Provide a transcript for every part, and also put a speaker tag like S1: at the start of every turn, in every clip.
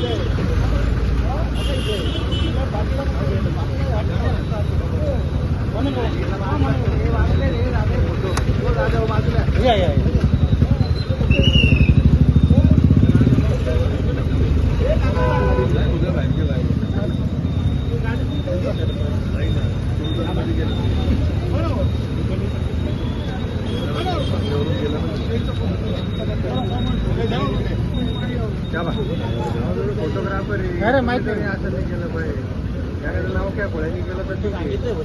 S1: Photographer अरे माहिती नाही असं नाही केलं पाहिजे. त्याकडे नाव काय कोणी केलं तर ते सांगितलं.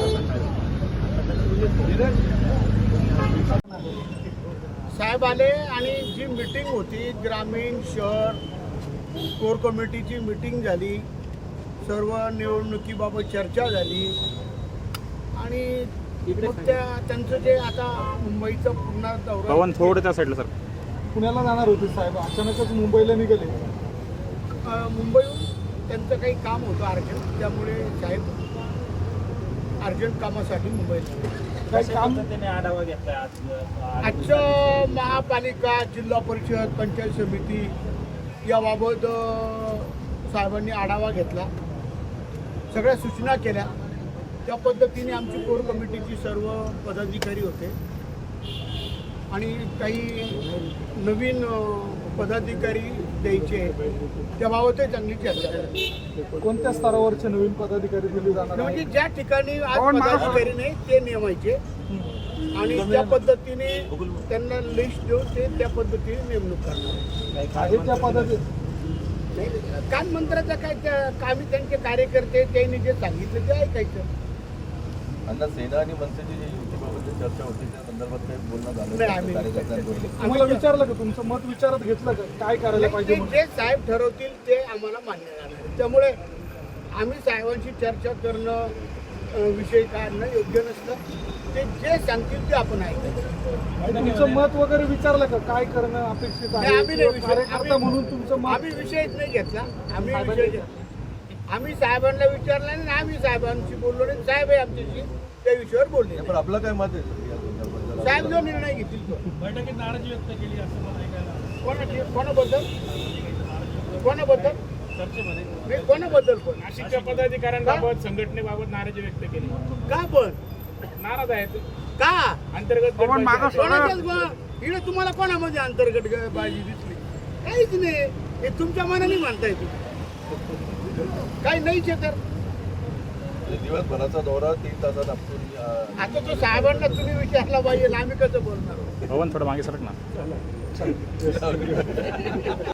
S1: साहेब आले आणि जी मीटिंग होती ग्रामीण शहर कोर कमिटीची मीटिंग झाली, सर्व निवडणुकीबाबत चर्चा झाली आणि त्यांचं जे आता मुंबईचं पुन्हा दौरा
S2: थोडं त्या साईडला सर
S1: पुण्याला जाणार होते साहेब, अचानकच मुंबईला निघाले. मुंबईहून त्यांचं काही काम होतं अर्जंट, त्यामुळे साहेब अर्जंट कामासाठी मुंबईला काही काम
S2: आढावा घेतला.
S1: आजचं महापालिका जिल्हा परिषद पंचायत समिती याबाबत साहेबांनी आढावा घेतला, सगळ्या सूचना केल्या. त्या पद्धतीने आमची कोर कमिटीची सर्व पदाधिकारी होते आणि काही नवीन पदाधिकारी द्यायचे, त्याबाबतही चांगली चर्चा झाली.
S3: कोणत्या स्तरावरचे नवीन पदाधिकारी दिले जाणार?
S1: म्हणजे ज्या ठिकाणी आज पदाधिकारी नाही ते नेमायचे आणि त्या पद्धतीने त्यांना लिस्ट देऊन ते त्या पद्धतीने नेमणूक करणार
S3: आहे. त्या पद्धती
S1: कान मंत्राचा काय आम्ही त्यांचे कार्यकर्ते त्यांनी जे सांगितलं ते ऐकायचं.
S4: आता सेना आणि मनसेची जी युतीबाबत चर्चा होती त्या संदर्भात काही बोलणं झालं कार्यकर्त्यांकडून?
S3: आम्हाला विचारलं का, तुमचं मत विचारत घेतलं का, काय करायला पाहिजे?
S1: जे साहेब ठरवतील ते आम्हाला मान्य राहणार. त्यामुळे आम्ही साहेबांशी चर्चा करणं विषय काढणं योग्य नसतं. ते जे सांगतील ते आपण ऐकायचं.
S3: तुमचं मत वगैरे विचारलं का, काय करणं अपेक्षित आहे? कार्यकर्ता म्हणून तुमचं मत
S1: आम्ही विषयच नाही घेतला. आम्ही साहेबांना विचारलं आणि आम्ही साहेबांशी बोललो नाही. साहेब आहे आमच्याशी त्या विषयावर बोलले.
S4: पण आपलं काय मत आहे?
S1: साहेब जो निर्णय घेतील तो.
S2: बैठकीत नाराजी व्यक्त केली असं मला ऐकायला.
S1: कोणाबद्दल
S2: चर्चेमध्ये
S1: कोणाबद्दल पण
S2: नाशिकच्या पदाधिकाऱ्यांबाबत संघटनेबाबत नाराजी व्यक्त केली.
S1: का पण
S2: नाराज आहेत
S1: का
S2: अंतर्गत
S1: इकडे तुम्हाला कोणामध्ये अंतर्गत बाजी दिसली? काहीच नाही. हे तुमच्या मनाने म्हणताय तुम्ही, काही नाहीच आहे. तर
S4: दिवसभराचा दौरा 3 तासात आपण
S1: आता तो साहेबांना तुम्ही विचारला पाहिजे, आम्ही कसं बोलणार?
S2: थोडं मागे सरक ना.